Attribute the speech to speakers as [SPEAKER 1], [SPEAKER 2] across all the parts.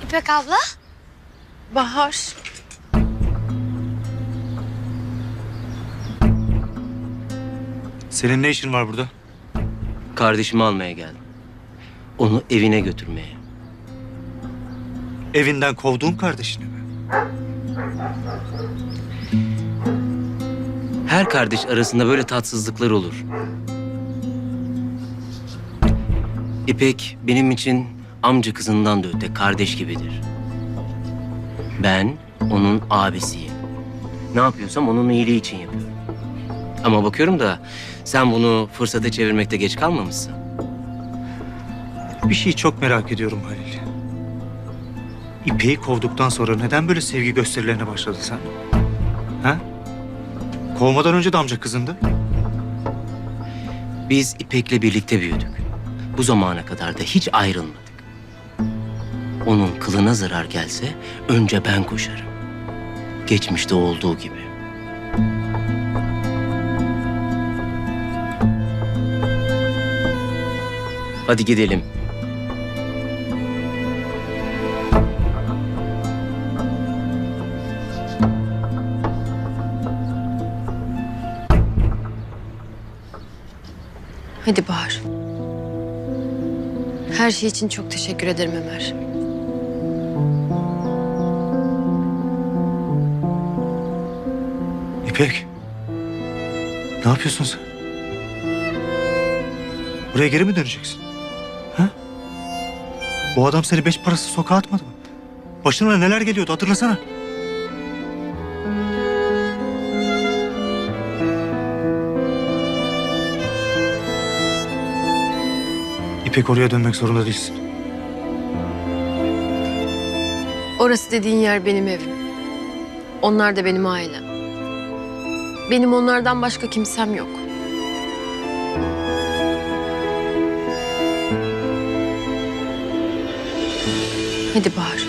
[SPEAKER 1] İpek abla.
[SPEAKER 2] Bahar.
[SPEAKER 3] Senin ne işin var burada?
[SPEAKER 4] Kardeşimi almaya geldim. Onu evine götürmeye.
[SPEAKER 3] Evinden kovduğun kardeşini mi?
[SPEAKER 4] Her kardeş arasında böyle tatsızlıklar olur. İpek benim için amca kızından da öte kardeş gibidir. Ben onun abisiyim. Ne yapıyorsam onun iyiliği için yapıyorum. Ama bakıyorum da sen bunu fırsata çevirmekte geç kalmamışsın.
[SPEAKER 3] Bir şeyi çok merak ediyorum Halil. İpek'i kovduktan sonra neden böyle sevgi gösterilerine başladın sen? Ha? Kovmadan önce de amca kızındı.
[SPEAKER 4] Biz İpek'le birlikte büyüdük. Bu zamana kadar da hiç ayrılmadık. Onun kılına zarar gelse önce ben koşarım. Geçmişte olduğu gibi. Hadi gidelim.
[SPEAKER 2] Hadi Bahar. Her şey için çok teşekkür ederim Ömer.
[SPEAKER 3] İpek. Ne yapıyorsun sen? Buraya geri mi döneceksin? Ha? Bu adam seni beş parası sokağa atmadı mı? Başına neler geliyordu hatırlasana. İpek oraya dönmek zorunda değilsin.
[SPEAKER 2] Orası dediğin yer benim evim. Onlar da benim ailem. Benim onlardan başka kimsem yok. Hadi Bahar.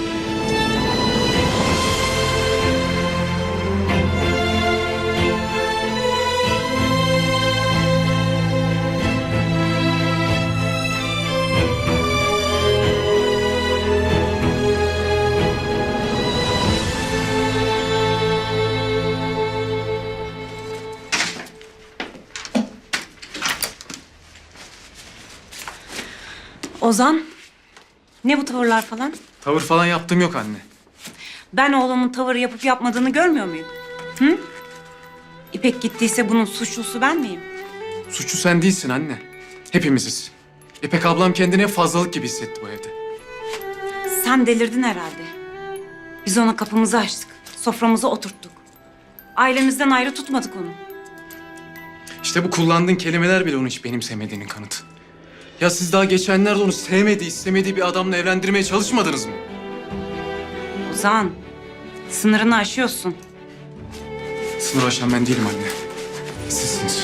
[SPEAKER 5] Ozan, ne bu tavırlar falan?
[SPEAKER 6] Tavır falan yaptığım yok anne.
[SPEAKER 5] Ben oğlumun tavır yapıp yapmadığını görmüyor muyum? Hı? İpek gittiyse bunun suçlusu ben miyim?
[SPEAKER 6] Suçlu sen değilsin anne. Hepimiziz. İpek ablam kendini fazlalık gibi hissetti bu evde.
[SPEAKER 5] Sen delirdin herhalde. Biz ona kapımızı açtık, soframıza oturttuk. Ailemizden ayrı tutmadık onu.
[SPEAKER 6] İşte bu kullandığın kelimeler bile onu hiç benimsemediğinin kanıtı. Ya siz daha geçenlerde onu sevmediği, istemediği bir adamla evlendirmeye çalışmadınız mı?
[SPEAKER 5] Ozan, sınırını aşıyorsun.
[SPEAKER 6] Sınır aşan ben değilim anne. Sizsiniz.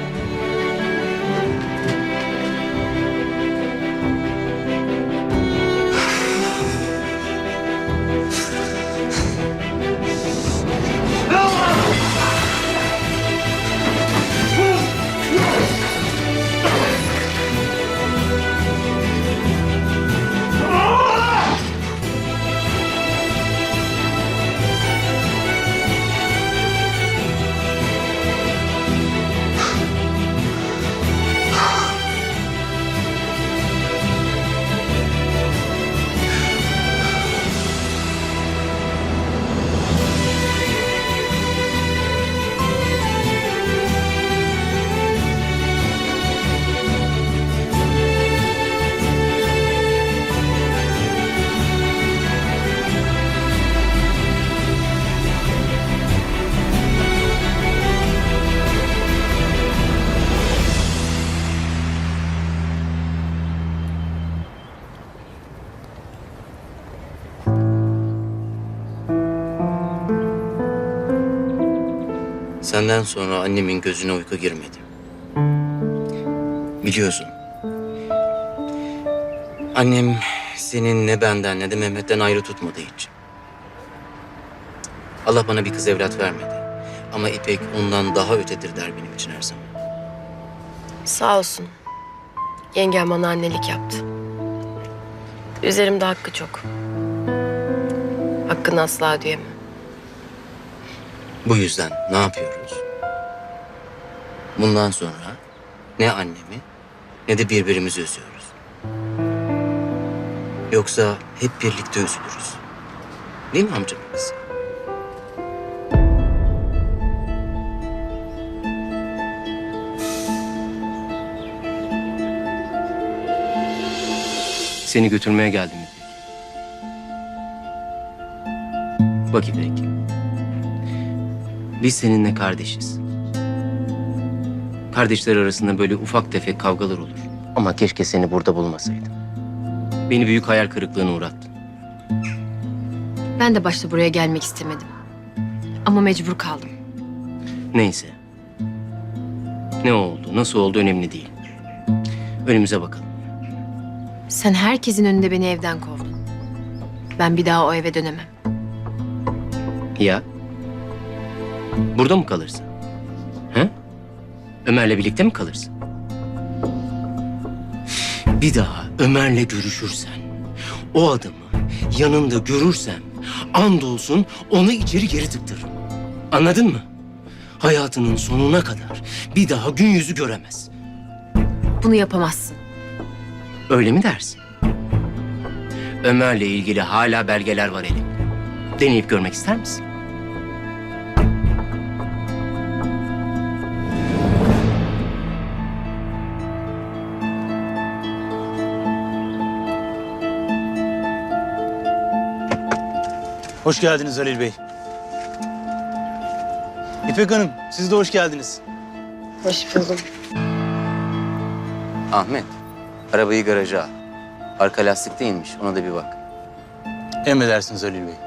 [SPEAKER 4] Senden sonra annemin gözüne uyku girmedi. Biliyorsun. Annem senin ne benden ne de Mehmet'ten ayrı tutmadı hiç. Allah bana bir kız evlat vermedi. Ama İpek ondan daha ötedir der benim için her zaman.
[SPEAKER 2] Sağ olsun. Yengem bana annelik yaptı. Üzerimde hakkı çok. Hakkını asla ödeyemem.
[SPEAKER 4] Bu yüzden ne yapıyoruz? Bundan sonra ne annemi ne de birbirimizi üzüyoruz. Yoksa hep birlikte üzülürüz. Değil mi amcamın kızı? Seni götürmeye geldim İpek. Bak İpek. Biz seninle kardeşiz. Kardeşler arasında böyle ufak tefek kavgalar olur. Ama keşke seni burada bulmasaydım. Beni büyük hayal kırıklığına uğrattın.
[SPEAKER 2] Ben de başta buraya gelmek istemedim. Ama mecbur kaldım.
[SPEAKER 4] Neyse. Ne oldu, nasıl oldu önemli değil. Önümüze bakalım.
[SPEAKER 2] Sen herkesin önünde beni evden kovdun. Ben bir daha o eve dönemem.
[SPEAKER 4] Ya? Burada mı kalırsın? He? Ömer'le birlikte mi kalırsın? Bir daha Ömer'le görüşürsen, o adamı yanında görürsem, andolsun onu içeri geri tıktırırım. Anladın mı? Hayatının sonuna kadar bir daha gün yüzü göremez.
[SPEAKER 2] Bunu yapamazsın.
[SPEAKER 4] Öyle mi dersin? Ömer'le ilgili hala belgeler var elimde. Deneyip görmek ister misin?
[SPEAKER 1] Hoş geldiniz Halil Bey. İpek Hanım, siz de hoş geldiniz.
[SPEAKER 2] Hoş buldum.
[SPEAKER 4] Ahmet, arabayı garaja al. Arka lastik değilmiş, ona da bir bak.
[SPEAKER 1] Emredersiniz Halil Bey.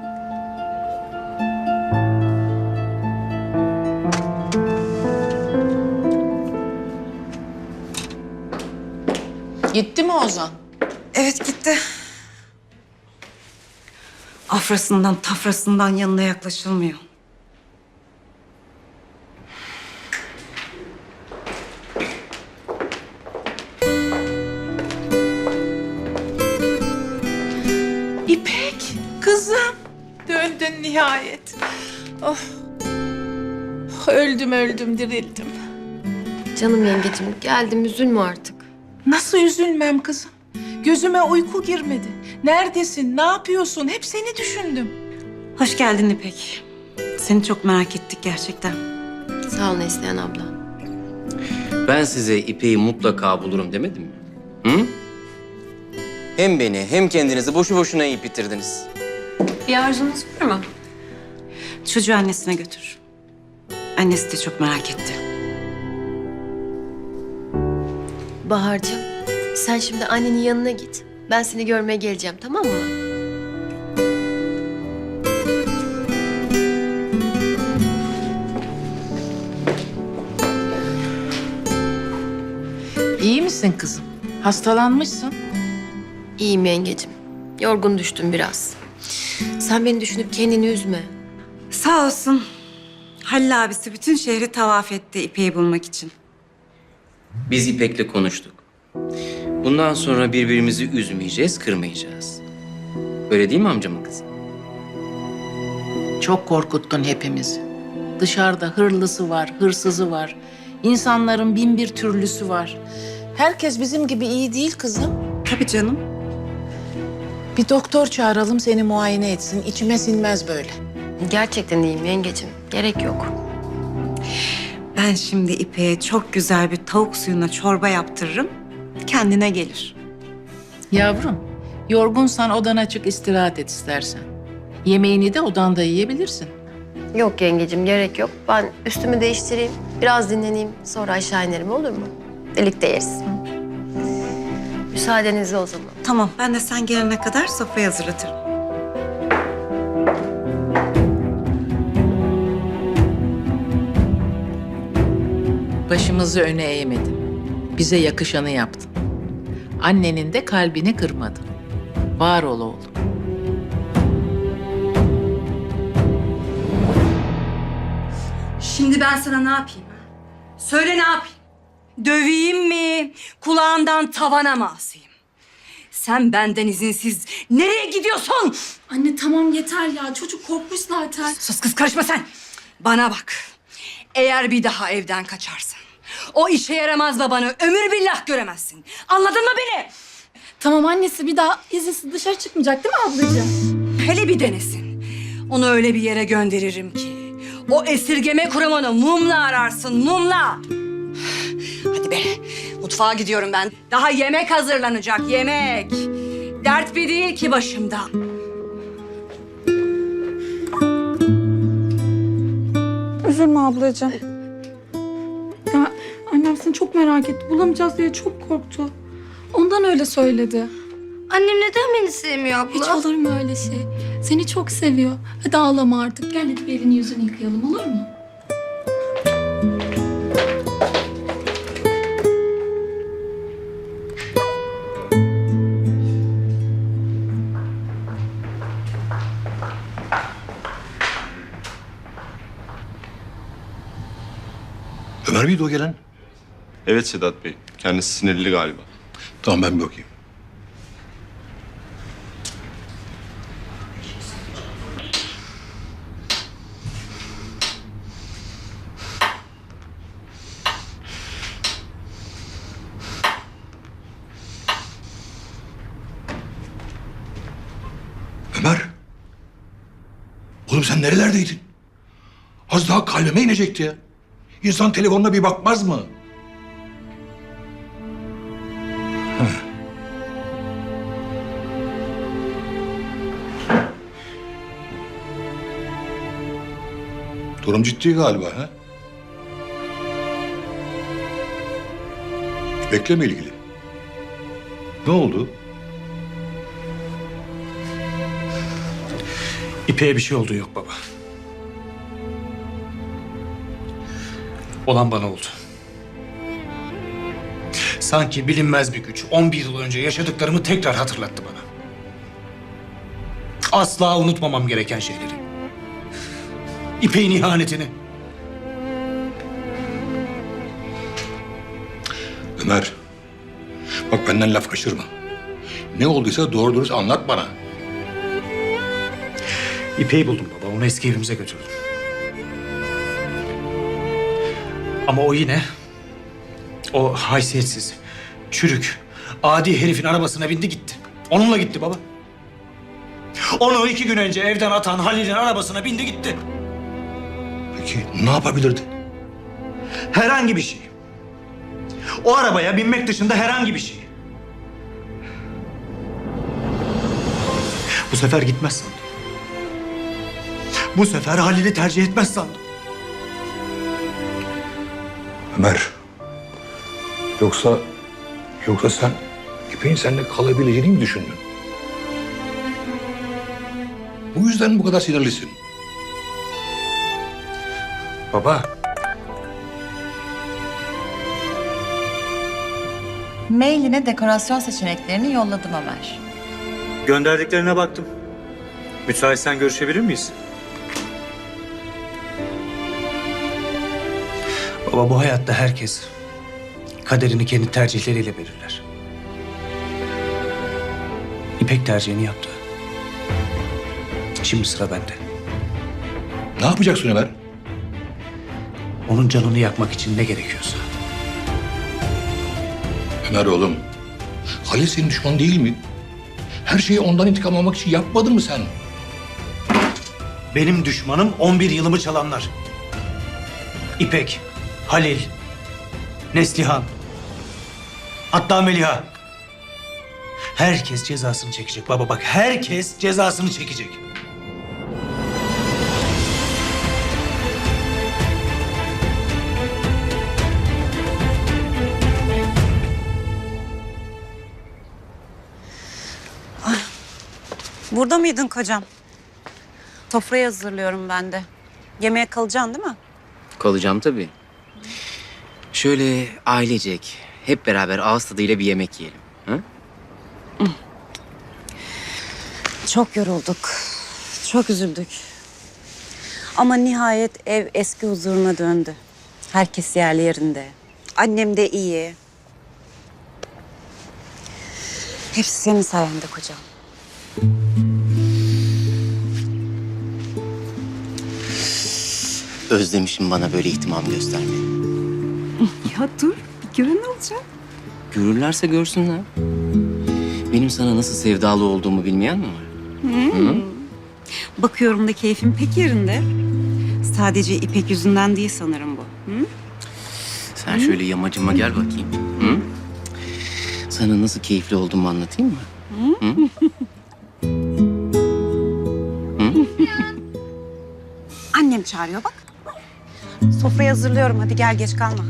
[SPEAKER 7] Gitti mi Ozan?
[SPEAKER 5] Evet gitti. Afrasından tafrasından yanına yaklaşılmıyor.
[SPEAKER 7] İpek, kızım. Döndün nihayet. Oh. Öldüm dirildim.
[SPEAKER 2] Canım yengecim geldim, üzülme artık.
[SPEAKER 7] Nasıl üzülmem kızım? Gözüme uyku girmedi. Neredesin, ne yapıyorsun? Hep seni düşündüm.
[SPEAKER 5] Hoş geldin İpek. Seni çok merak ettik gerçekten.
[SPEAKER 2] Sağ ol Neslihan abla.
[SPEAKER 4] Ben size İpek'i mutlaka bulurum demedim mi? Hı? Hem beni hem kendinizi boşu boşuna yiyip bitirdiniz.
[SPEAKER 2] Bir arzunuz var mı?
[SPEAKER 5] Çocuğu annesine götür. Annesi de çok merak etti.
[SPEAKER 2] Bahar'cığım, sen şimdi annenin yanına git. Ben seni görmeye geleceğim, tamam mı?
[SPEAKER 7] İyi misin kızım? Hastalanmışsın.
[SPEAKER 2] İyiyim yengecim. Yorgun düştüm biraz. Sen beni düşünüp kendini üzme.
[SPEAKER 5] Sağ olsun. Halil abisi bütün şehri tavaf etti İpek'i bulmak için.
[SPEAKER 4] Biz İpek'le konuştuk. Bundan sonra birbirimizi üzmeyeceğiz, kırmayacağız. Öyle değil mi amcamın kızı?
[SPEAKER 7] Çok korkuttun hepimizi. Dışarıda hırlısı var, hırsızı var. İnsanların bin bir türlüsü var. Herkes bizim gibi iyi değil kızım.
[SPEAKER 5] Tabii canım.
[SPEAKER 7] Bir doktor çağıralım seni muayene etsin. İçime sinmez böyle.
[SPEAKER 2] Gerçekten iyiyim yengecim. Gerek yok.
[SPEAKER 5] Ben şimdi İpek'e çok güzel bir tavuk suyuna çorba yaptırırım. Kendine gelir.
[SPEAKER 7] Yavrum, yorgunsan odana çık istirahat et istersen. Yemeğini de odanda yiyebilirsin.
[SPEAKER 2] Yok yengecim, gerek yok. Ben üstümü değiştireyim, biraz dinleneyim. Sonra aşağı inerim, olur mu? Birlikte yeriz. Müsaadenizle o zaman.
[SPEAKER 5] Tamam, ben de sen gelene kadar sofrayı hazırlatırım.
[SPEAKER 7] Başımızı öne eğmedin. Bize yakışanı yaptın. Annenin de kalbini kırmadın. Var ol oğlum.
[SPEAKER 8] Şimdi ben sana ne yapayım? Söyle ne yapayım? Döveyim mi? Kulağından tavana mı asayım? Sen benden izinsiz nereye gidiyorsun?
[SPEAKER 9] Anne tamam yeter ya. Çocuk korkmuş zaten.
[SPEAKER 8] Sus kız, karışma sen. Bana bak. Eğer bir daha evden kaçarsan o işe yaramaz babanı ömür billah göremezsin. Anladın mı beni?
[SPEAKER 9] Tamam annesi, bir daha izinsiz dışarı çıkmayacak değil mi ablacığım?
[SPEAKER 8] Hele bir denesin. Onu öyle bir yere gönderirim ki o esirgeme kuramını mumla ararsın, mumla. Hadi be, mutfağa gidiyorum ben. Daha yemek hazırlanacak, yemek. Dert bir değil ki başımda.
[SPEAKER 9] Üzülme ablacığım. Ya annem seni çok merak etti. Bulamayacağız diye çok korktu. Ondan öyle söyledi.
[SPEAKER 2] Annem neden beni sevmiyor abla?
[SPEAKER 9] Hiç olur mu öyle şey? Seni çok seviyor. Hadi ağlama artık. Gel hadi bir elini yüzünü yıkayalım, olur mu?
[SPEAKER 10] Ömer miydi o gelen?
[SPEAKER 11] Evet Sedat Bey. Kendisi sinirli galiba.
[SPEAKER 10] Tamam ben bir bakayım. Ömer. Oğlum sen nerelerdeydin? Az daha kalbime inecekti ya. İnsan telefonuna bir bakmaz mı? Durum ciddi galiba ha? Bekleme ilgili. Ne oldu?
[SPEAKER 3] İpek'e bir şey olduğu yok baba. Olan bana oldu. Sanki bilinmez bir güç 11 yıl önce yaşadıklarımı tekrar hatırlattı bana. Asla unutmamam gereken şeyleri. İpek'in ihanetini.
[SPEAKER 10] Ömer. Bak benden laf kaçırma. Ne olduysa doğru dürüst anlat bana.
[SPEAKER 3] İpek'i buldum baba. Onu eski evimize götürdüm. Ama o yine o haysiyetsiz, çürük, adi herifin arabasına bindi gitti. Onunla gitti baba. Onu 2 gün önce evden atan Halil'in arabasına bindi gitti.
[SPEAKER 10] Peki ne yapabilirdi?
[SPEAKER 3] Herhangi bir şey. O arabaya binmek dışında herhangi bir şey. Bu sefer gitmez sandım. Bu sefer Halil'i tercih etmez sandım.
[SPEAKER 10] Ömer. Yoksa sen İpek'in seninle kalabileceğini mi düşündün? Bu yüzden mi bu kadar sinirlisin?
[SPEAKER 3] Baba.
[SPEAKER 12] Mailine dekorasyon seçeneklerini yolladım Ömer.
[SPEAKER 3] Gönderdiklerine baktım. Müsaitsen görüşebilir miyiz? Baba, bu hayatta herkes kaderini kendi tercihleriyle belirler. İpek tercihini yaptı. Şimdi sıra bende.
[SPEAKER 10] Ne yapacaksın Ömer?
[SPEAKER 3] Onun canını yakmak için ne gerekiyorsa.
[SPEAKER 10] Ömer oğlum, Halil senin düşman değil mi? Her şeyi ondan intikam almak için yapmadın mı sen?
[SPEAKER 3] Benim düşmanım 11 yılımı çalanlar. İpek, Halil, Neslihan, hatta Meliha. Herkes cezasını çekecek baba, bak herkes cezasını çekecek.
[SPEAKER 5] Burada mıydın kocam? Sofrayı hazırlıyorum ben de. Yemeğe kalacaksın değil mi?
[SPEAKER 4] Kalacağım tabii. Şöyle ailecek, hep beraber ağız tadıyla bir yemek yiyelim. Ha?
[SPEAKER 5] Çok yorulduk. Çok üzüldük. Ama nihayet ev eski huzuruna döndü. Herkes yerli yerinde. Annem de iyi. Hepsi senin sayende kocam.
[SPEAKER 4] Özlemişim bana böyle ihtimam göstermeyi.
[SPEAKER 5] Ya dur, bir gören olacak.
[SPEAKER 4] Görürlerse görsünler. Benim sana nasıl sevdalı olduğumu bilmeyen mi var?
[SPEAKER 5] Bakıyorum da keyfim pek yerinde. Sadece İpek yüzünden değil sanırım bu. Hı?
[SPEAKER 4] Sen şöyle yamacıma gel bakayım. Hı? Sana nasıl keyifli olduğumu anlatayım mı? Hı?
[SPEAKER 5] Annem çağırıyor bak. Sofrayı hazırlıyorum. Hadi gel, geç kalma.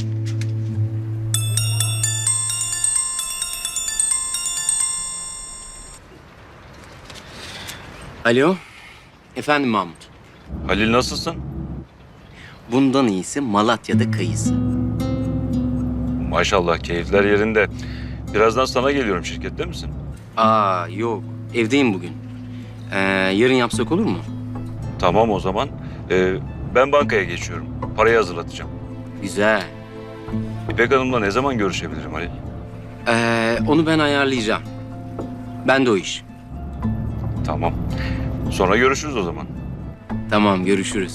[SPEAKER 4] Alo. Efendim Mahmut.
[SPEAKER 11] Halil nasılsın?
[SPEAKER 4] Bundan iyisi Malatya'da kayısı.
[SPEAKER 11] Maşallah keyifler yerinde. Birazdan sana geliyorum, şirkette misin?
[SPEAKER 4] Aa yok. Evdeyim bugün. Yarın yapsak olur mu?
[SPEAKER 11] Tamam o zaman. Ben bankaya geçiyorum. Parayı hazırlatacağım.
[SPEAKER 4] Güzel.
[SPEAKER 11] İpek Hanım'la ne zaman görüşebilirim Halil?
[SPEAKER 4] Onu ben ayarlayacağım. Ben de o iş.
[SPEAKER 11] Tamam. Sonra görüşürüz o zaman.
[SPEAKER 4] Tamam, görüşürüz.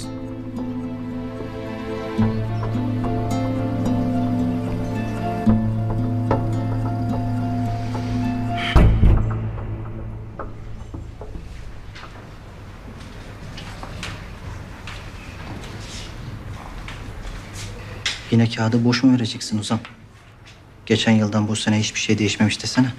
[SPEAKER 13] Yine kağıdı boş mu vereceksin Ozan? Geçen yıldan bu sene hiçbir şey değişmemiş desene.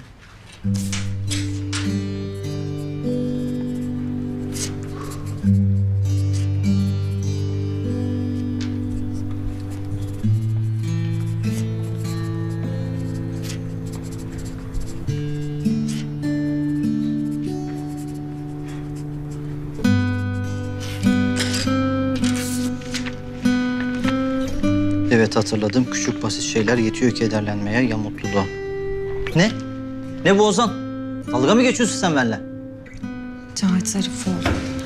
[SPEAKER 13] Evet hatırladım. Küçük basit şeyler yetiyor kederlenmeye ya mutluluğa. Ne? Ne bu Ozan? Dalga mı geçiyorsun sen benimle?
[SPEAKER 5] Cahit Zarifoğlu.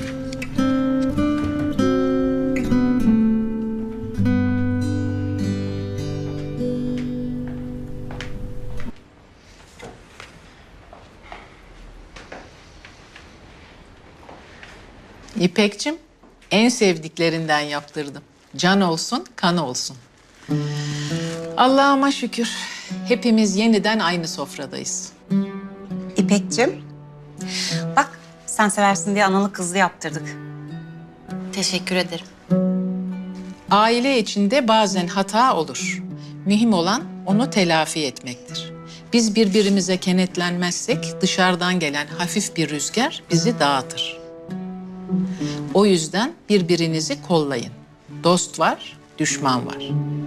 [SPEAKER 7] İpekçim, en sevdiklerinden yaptırdım. Can olsun, kan olsun. Allah'ıma şükür. Hepimiz yeniden aynı sofradayız.
[SPEAKER 5] İpek'cim. Bak, sen seversin diye analı kızlı yaptırdık.
[SPEAKER 2] Teşekkür ederim.
[SPEAKER 7] Aile içinde bazen hata olur. Mühim olan onu telafi etmektir. Biz birbirimize kenetlenmezsek dışarıdan gelen hafif bir rüzgar bizi dağıtır. O yüzden birbirinizi kollayın. Dost var, düşman var.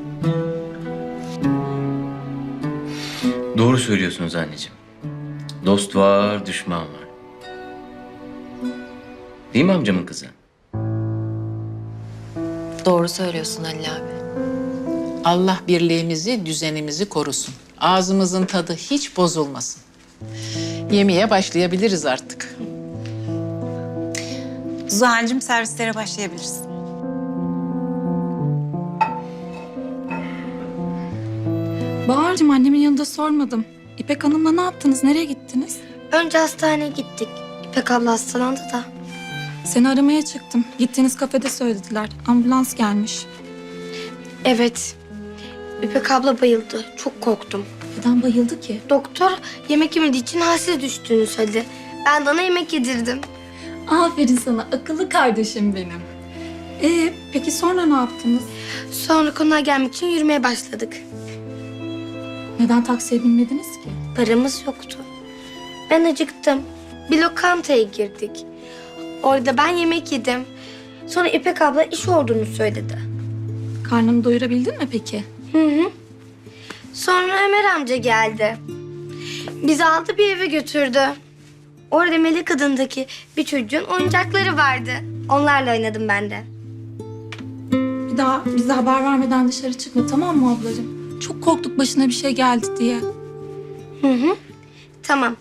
[SPEAKER 4] Doğru söylüyorsunuz anneciğim. Dost var, düşman var. Değil mi amcamın kızı?
[SPEAKER 2] Doğru söylüyorsun Halil abi.
[SPEAKER 7] Allah birliğimizi, düzenimizi korusun. Ağzımızın tadı hiç bozulmasın. Yemeğe başlayabiliriz artık.
[SPEAKER 5] Zuhal'cığım, servislere başlayabiliriz.
[SPEAKER 9] Bahar'cığım annemin yanında sormadım. İpek Hanım'la ne yaptınız? Nereye gittiniz?
[SPEAKER 2] Önce hastaneye gittik. İpek abla hastalandı da.
[SPEAKER 9] Seni aramaya çıktım. Gittiğiniz kafede söylediler. Ambulans gelmiş.
[SPEAKER 2] Evet. İpek abla bayıldı. Çok korktum.
[SPEAKER 9] Neden bayıldı ki?
[SPEAKER 2] Doktor yemek yemediği için halsiz düştüğünü söyledi. Ben de ona yemek yedirdim.
[SPEAKER 9] Aferin sana akıllı kardeşim benim. Peki sonra ne yaptınız?
[SPEAKER 2] Sonra konağa gelmek için yürümeye başladık.
[SPEAKER 9] Neden taksiye binmediniz ki?
[SPEAKER 2] Paramız yoktu. Ben acıktım. Bir lokantaya girdik. Orada ben yemek yedim. Sonra İpek abla iş olduğunu söyledi.
[SPEAKER 9] Karnını doyurabildin mi peki?
[SPEAKER 2] Hı. Sonra Ömer amca geldi. Bizi aldı bir eve götürdü. Orada Melek adındaki bir çocuğun oyuncakları vardı. Onlarla oynadım ben de.
[SPEAKER 9] Bir daha bize haber vermeden dışarı çıkma, tamam mı ablacığım? Çok korktuk başına bir şey geldi diye.
[SPEAKER 2] Hı. Tamam.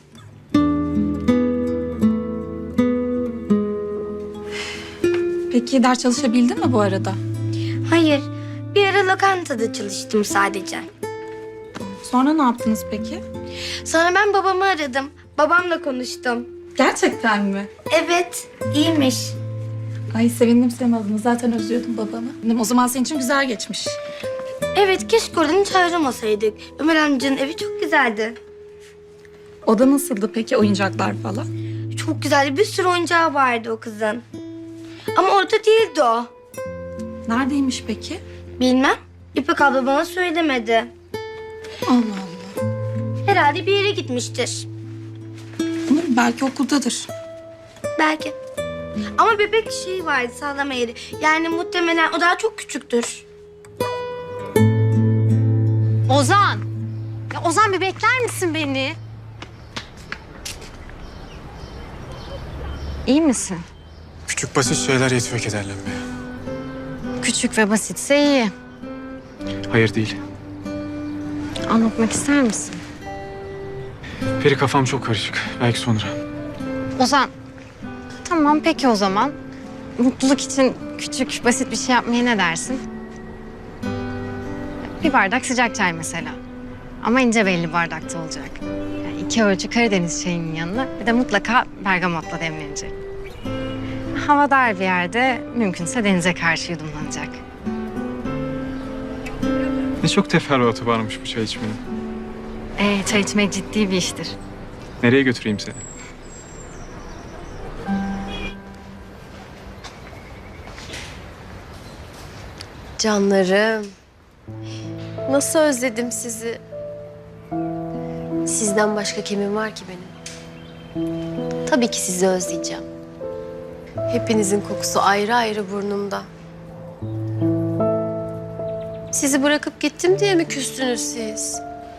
[SPEAKER 9] Peki ders çalışabildin mi bu arada?
[SPEAKER 2] Hayır. Bir ara lokantada çalıştım sadece.
[SPEAKER 9] Sonra ne yaptınız peki?
[SPEAKER 2] Sonra ben babamı aradım. Babamla konuştum.
[SPEAKER 9] Gerçekten mi?
[SPEAKER 2] Evet, iyiymiş.
[SPEAKER 9] Ay sevindim senin adına. Zaten özlüyordum babamı. O zaman senin için güzel geçmiş.
[SPEAKER 2] Evet, keşke oradan hiç ayrılmasaydık. Ömer amcanın evi çok güzeldi.
[SPEAKER 9] Oda nasıldı peki, oyuncaklar falan?
[SPEAKER 2] Çok güzeldi. Bir sürü oyuncağı vardı o kızın. Ama orada değildi o.
[SPEAKER 9] Neredeymiş peki?
[SPEAKER 2] Bilmem. İpek abla bana söylemedi.
[SPEAKER 9] Allah Allah.
[SPEAKER 2] Herhalde bir yere gitmiştir.
[SPEAKER 9] Belki okuldadır.
[SPEAKER 2] Belki. Ama bebek şeyi vardı, sağlama yeri. Yani muhtemelen o daha çok küçüktür.
[SPEAKER 14] Ozan! Ya Ozan bir bekler misin beni? İyi misin?
[SPEAKER 6] Küçük basit şeyler yetiyor kederlenmeye.
[SPEAKER 14] Küçük ve basitse iyi.
[SPEAKER 6] Hayır değil.
[SPEAKER 14] Anlatmak ister misin?
[SPEAKER 6] Peri kafam çok karışık. Belki sonra.
[SPEAKER 14] Ozan, tamam peki o zaman. Mutluluk için küçük, basit bir şey yapmaya ne dersin? Bir bardak sıcak çay mesela. Ama ince belli bardakta olacak. Yani 2 ölçü Karadeniz çayının yanına bir de mutlaka bergamotla demlenecek. Hava dar bir yerde mümkünse denize karşı yudumlanacak.
[SPEAKER 6] Ne çok teferruatı varmış bu çay içmenin.
[SPEAKER 14] Çay içmek ciddi bir iştir.
[SPEAKER 6] Nereye götüreyim seni?
[SPEAKER 15] Canlarım. Nasıl özledim sizi. Sizden başka kimim var ki benim? Tabii ki sizi özleyeceğim. Hepinizin kokusu ayrı ayrı burnumda. Sizi bırakıp gittim diye mi küstünüz siz?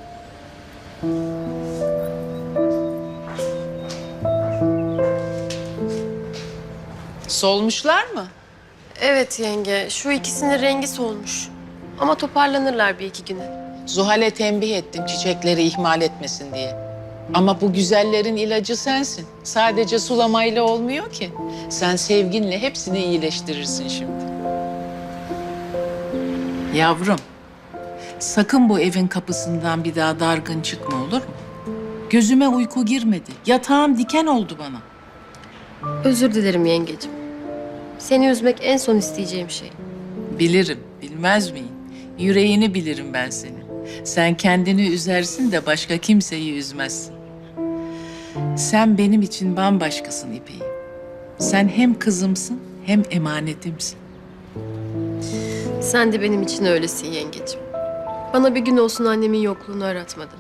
[SPEAKER 7] Solmuşlar mı?
[SPEAKER 15] Evet yenge, şu ikisinin rengi solmuş. Ama toparlanırlar bir iki güne.
[SPEAKER 7] Zuhal'e tembih ettim çiçekleri ihmal etmesin diye. Ama bu güzellerin ilacı sensin. Sadece sulamayla olmuyor ki. Sen sevginle hepsini iyileştirirsin şimdi. Yavrum, sakın bu evin kapısından bir daha dargın çıkma olur mu? Gözüme uyku girmedi. Yatağım diken oldu bana.
[SPEAKER 15] Özür dilerim yengecim. Seni üzmek en son isteyeceğim şey.
[SPEAKER 7] Bilirim, bilmez miyim? Yüreğini bilirim ben senin. Sen kendini üzersin de başka kimseyi üzmezsin. Sen benim için bambaşkasın İpek'im. Sen hem kızımsın hem emanetimsin.
[SPEAKER 15] Sen de benim için öylesin yengecim. Bana bir gün olsun annemin yokluğunu aratmadın.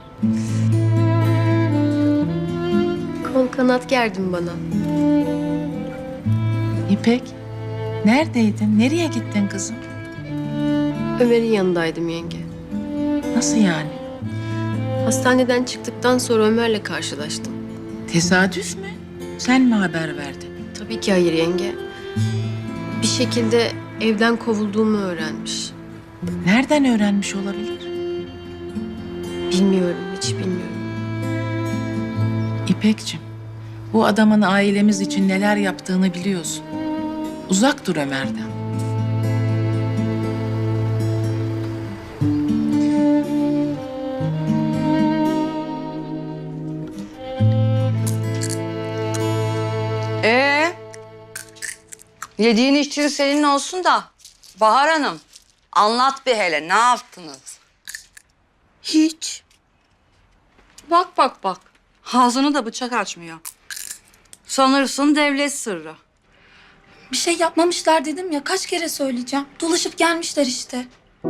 [SPEAKER 15] Kol kanat gerdin bana.
[SPEAKER 7] İpek, neredeydin? Nereye gittin kızım?
[SPEAKER 15] Ömer'in yanındaydım yenge.
[SPEAKER 7] Nasıl yani?
[SPEAKER 15] Hastaneden çıktıktan sonra Ömer'le karşılaştım.
[SPEAKER 7] Tesadüf mü? Sen mi haber verdin?
[SPEAKER 15] Tabii ki hayır yenge. Bir şekilde evden kovulduğumu öğrenmiş.
[SPEAKER 7] Nereden öğrenmiş olabilir?
[SPEAKER 15] Bilmiyorum, hiç bilmiyorum.
[SPEAKER 7] İpekciğim, bu adamın ailemiz için neler yaptığını biliyorsun. Uzak dur Ömer'den.
[SPEAKER 8] Yediğin içtiğin senin olsun da Bahar Hanım anlat bir hele ne yaptınız?
[SPEAKER 2] Hiç.
[SPEAKER 8] Bak. Ağzını da bıçak açmıyor. Sanırsın devlet sırrı.
[SPEAKER 9] Bir şey yapmamışlar dedim ya, kaç kere söyleyeceğim. Dolaşıp gelmişler işte.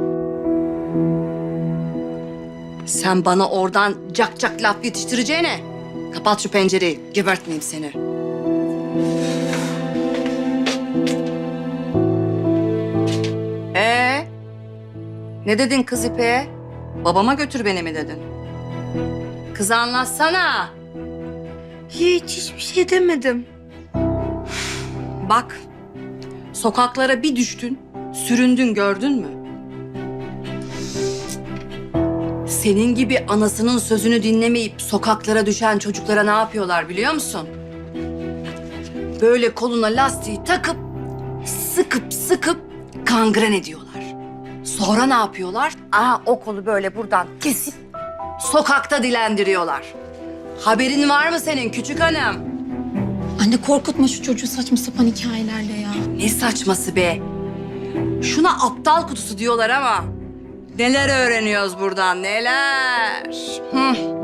[SPEAKER 8] Sen bana oradan cak laf yetiştireceğine kapat şu pencereyi, gebertmeyeyim seni. Ne dedin kız İpek'e? Babama götür beni mi dedin? Kız anlatsana.
[SPEAKER 2] Hiçbir şey demedim.
[SPEAKER 8] Bak, sokaklara bir düştün, süründün gördün mü? Senin gibi anasının sözünü dinlemeyip sokaklara düşen çocuklara ne yapıyorlar biliyor musun? Böyle koluna lastiği takıp, sıkıp kangren ediyorlar. Sonra ne yapıyorlar? O kolu böyle buradan kesip Sokakta dilendiriyorlar. Haberin var mı senin küçük hanım?
[SPEAKER 9] Anne korkutma şu çocuğu saçma sapan hikayelerle ya.
[SPEAKER 8] Ne saçması be? Şuna aptal kutusu diyorlar ama neler öğreniyoruz buradan, neler?